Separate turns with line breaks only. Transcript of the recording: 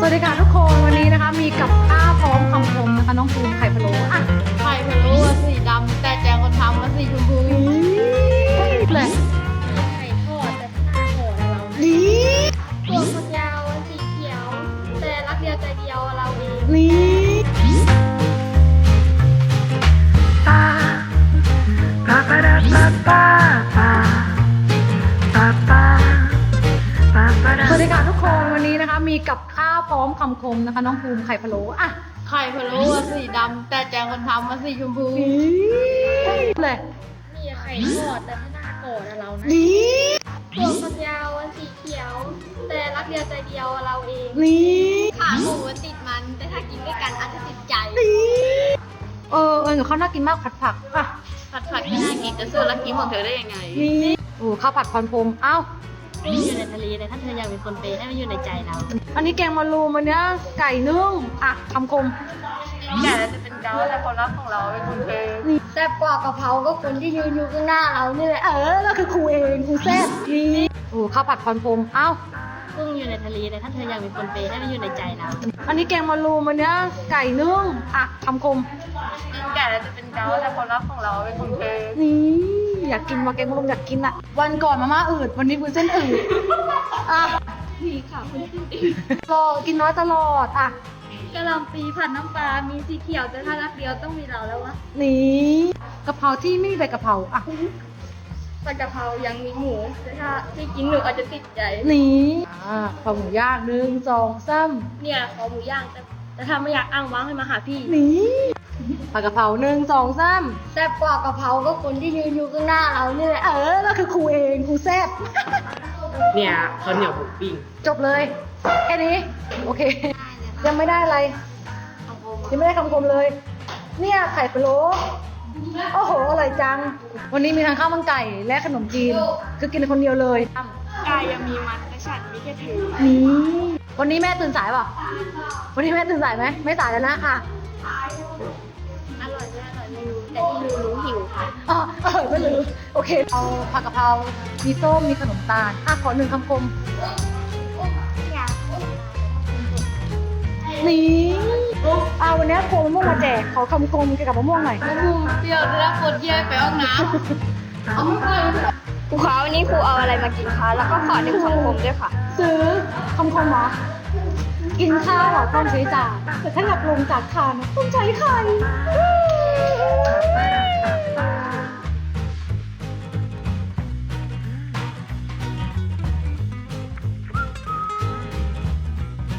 วัสดีค่ะทุกคนวันนี้นะคะมีกับข้าวพร้อมคำคมนะคะน้องภูมิไข่พะโล้อ่ะ
ไข่พะโล้สีดำแต่แจงคนทำมันสีชมพู
เลย
ไข่ทอดแต่หน้าห่อเรา
นี่
ตัวฝักยาวสีเขียว แต่รักเดียวใจเดียวเราเอง
นี่ปาปาปาปาปาปาปาปาสวัสดีค่ะทุกคนวันนี้นะคะมีกับข้าวพร้อมคำคมนะคะน้องภูมิไข่พะโล้อ่ะ
ไข่พะโล้สีดำแต่แจงคนทำมันสีชมพู
เลย
มีไข่ทอดแต่หน้าก่อนเรานะ
นี่
ตัวฝักยาวสีเขียว แต่รักเดียวใจเดียวเราเอง
นี่
ขาหมูติดมันแต่ถ้ากินด้วยกันอาจจะติดใจ
เดี๋ยวเขาน่ากินมากผัดผักอ่ะ
ผัดผักที่น่ากินจะซื้อรักกินของเธอได้ยังไง
นี่โอ้ข้าวผัดพรพรมอ้าว
กุ้งอยู่ในทะเลแต่ถ้าเธออยากเป็นคนเปย์ให้มันอยู่ในใจเรา
อันนี้แกงมะรูมอันเนี้ยไก่นึ่งอ่ะคำคม
แก่แล้วจะเป็นเกาแต่ความรักของเราเป็นคนเปย์แซ่บกว่ากะเพราก็คนที่ยืนอยู่ข้างหน้าเรานี่แหละ
แล้วคือครูเองครูแซ่บนี่โอ้ข้าวผัดพรพรมอ้าว
กุ้งอยู่ในทะเลแต่ถ้าเธออยากเป็นคนเปย์ให้มันอยู่ในใจเรา
อันนี้แกงมะรูมอันเนี้ยไก่นึ่งอ่ะคำคม
แก่แล้วจะเป็นเกาแต่ความรักของเราเป็นคนเปย์
นี่อยากกินมาแกงมะรูมอยากกินอ่ะ วันก่อนมาม่าอืดวันนี้คุณเส้นอืดอ่ะ
มีค่ะคุณขึ้นอีก
รอกินน้อยตลอดอ่ะ
กะหล่ำปีผัดน้ำปลา มีสีเขียวแต่ถ้ารักเดียวต้องมีเราแล้ววะ
นี่กะเพราที่ไม่มีใบกะเพราอ่ะ
ผัดกะเพรายังมีหมูแต่ถ้าที่กินหนูอาจจะติดใจ
นี่ข้าวหมูย่าง1 2 3
เนี่ยขอหมูย่างแต่ถ้าไม่อยากอ้างว้างให้มาหาพี่
นี่ผัดกะเพรา1 2 3
แซ่บกว่ากะเพราก็คนที่ยืนอยู่ข้างหน้าเรานี่แหละ
แล้วคือครูเองครูแซ่บ
เนี่ยข้าวเหนียวหมูปิ้ง
จบเลยแค่นี้โอเค ยังไม่ได้อะไรยังไม่ได้คำคมเลย เนี่ยไข่พะโล้โอ้โหอร่อยจัง วันนี้มีทั้งข้าวมันไก่และขนมจีนคือกินคนเดียวเลย
กายยังมีมันแต่ฉันมีแค่เธอ
นี่วันนี้แม่ตื่นสายเปล่ะวันนี้แม่ตื่นสายไหมไม่สายแล้วนะค่ะ
อร่อยไม่อร่อยไม่รู้แต่ที่รู้หิวค่ะ
ไม่รู้โอเคเอาผักกะเพรามีส้มมีขนมตาลขอ1คำคมนี่วันนี้โคมะม่วงมาแจกขอคำคมเกี่ยวกับมะม่วงหน่อย
มะม่วงเปรี้ยวแล้วปวดเยี่ยวไปห้องน้ำเอาไม่ไป
ครูคะวันนี้ครูเอาอะไรมากินคะ แล้วก็ขอหนึ่งคำคมด้วยค่ะ
ซื้อคำคมเหรอกินข้าวต้องใช้จานแต่ถ้าอยากลงจากทานต้องใช้ไข่